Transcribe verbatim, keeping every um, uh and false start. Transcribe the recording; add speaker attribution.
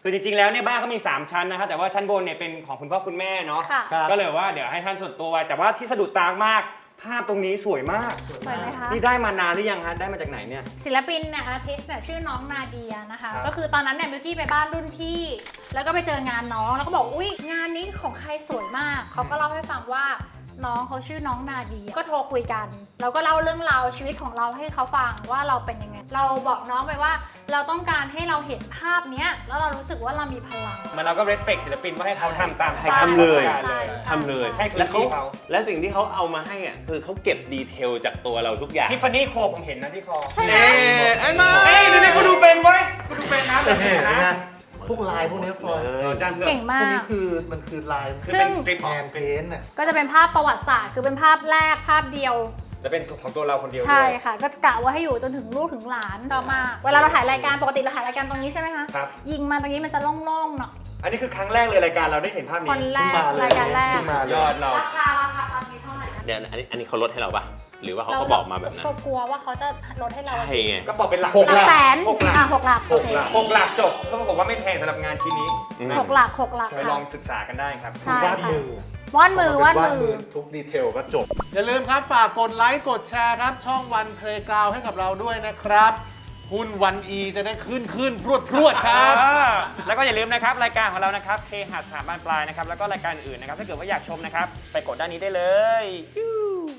Speaker 1: คือจริงๆแล้วเนี่ยบ้านเขามีสามชั้นนะครับแต่ว่าชั้นบนเนี่ยเป็นของคุณพ่อคุณแม่เนาะก็เลยว่าเดี๋ยวให้ท่านส่วนตัวไว้แต่ว่าที่สะดุดตามากภาพตรงนี้สวยมาก
Speaker 2: สวยไหมคะ
Speaker 1: นี่ได้มานานหรือยังฮะได้มาจากไหนเนี่ย
Speaker 2: ศิลปินเนี่ยอาร์ติสต์เนี่ยชื่อน้องนาเดียนะคะก็คือตอนนั้นเนี่ยบิวกี้ไปบ้านรุ่นพี่แล้วก็ไปเจองานน้องแล้วก็บอกอุ้ยงานนี้ของใครสวยมากเขาก็เล่าให้ฟังว่าน้องเขาชื่อน้องนาเดียก็โทรคุยกันเราก็เล่าเรื่องราวชีวิตของเราให้เขาฟังว่าเราเป็นยังไงเราบอกน้องไปว่าเราต้องการให้เราเห็นภาพเนี้ยแล้วเรารู้สึกว่าเรามีพลัง
Speaker 1: มันเราก็ respect ศิลปินว่าให้เขาทำตาม
Speaker 3: ให้ทำเลย
Speaker 2: ใช่
Speaker 3: ทำเลย
Speaker 1: ให้พื้
Speaker 3: แล้
Speaker 1: น
Speaker 3: ว
Speaker 1: ที่
Speaker 3: เขา
Speaker 1: เขา
Speaker 3: และสิ่งที่เขาเอามาให้อ่ะคือเขาเก็บดีเทลจากตัวเราทุกอย่าง
Speaker 1: ทิฟฟานี่โคผมเห็นนะที่คอ
Speaker 2: ใช่ไหม
Speaker 3: เอ๊ะอันนั้น
Speaker 1: เฮ้ยดูนี่กูดูเป็นเว้ยกูดูเป็นนะแบบนี้
Speaker 4: เห็นไหม
Speaker 1: นะ
Speaker 4: พวกลายพวกนี้ฟลอย
Speaker 1: อาจารย์เพื่อน
Speaker 2: เก่ง
Speaker 4: พ
Speaker 2: มาว
Speaker 4: กนี้
Speaker 2: ก
Speaker 4: คือมันคือลาย
Speaker 1: คือ
Speaker 2: ซึ่
Speaker 1: เป็
Speaker 2: ง
Speaker 1: นสตริป
Speaker 4: แฮนด์เพนท์น่ะ
Speaker 2: ก็จะเป็นภาพประวัติศาสตร์คือเป็นภาพแรกภาพเดียว
Speaker 1: จะเป็นของตัวเราคนเดียว
Speaker 2: ใช่
Speaker 1: ด้วย
Speaker 2: ค่ะ ก็กะว่าให้อยู่จนถึงลูกถึงหลานต่อมาเวลาเราถ่ายรายการปกติเราถ่ายรายการตรงนี้ใช่ไหมคะ
Speaker 1: ครับ
Speaker 2: ยิงมาตรงนี้มันจะโล่งๆหน่อย
Speaker 1: อันนี้คือครั้งแรกเลยรายการเราได้เห็นภาพนี้
Speaker 2: คนแรก
Speaker 4: ขึ้นมาเลย
Speaker 2: รายการแรก
Speaker 4: ขึ้นมาเลย
Speaker 1: ยอดเรา
Speaker 2: ราคาราคาตอนนี้เท่าไหร่นะ
Speaker 3: เดี๋ยวอันนี้อันนี้เขาลดให้เราปะหรือว่าเขาก็บอกมาแบบนั้น
Speaker 2: ก็กลัวว่าเขาจะลดให้เรา
Speaker 3: ใช่ไง
Speaker 1: ก็บอกเป็นหลัก
Speaker 4: หก
Speaker 2: หลักแสน
Speaker 1: หกหลัก
Speaker 2: อ่ะหกหลัก
Speaker 4: หกหลัก
Speaker 1: หกหลักจบก็บอกว่าไม่แพงสำหรับงานชิ้นนี้
Speaker 3: อืม
Speaker 2: หกหลักหกหลัก
Speaker 1: ไปล
Speaker 2: ค่ะ
Speaker 1: องศึกษากันได้ครับ
Speaker 2: ใช่
Speaker 4: วาดมือ
Speaker 2: วาดมือวาดมือ
Speaker 4: ทุกดีเทลก็จบ อย่าลืมครับฝากกดไลค์กดแชร์ครับ ช่องวันเพลย์กราวให้กับเราด้วยนะครับ หุ้นวันอีจะได้ขึ้นขึ้นพรวดพรวดครับ
Speaker 1: แล้วก็อย่าลืมนะครับรายการของเรานะครับเคหะสถาบันปลายนะครับแล้วก็รายการอื่นนะครับถ้าเกิดว่าอยากชมนะครับไปกดด้านนี้ได้เลย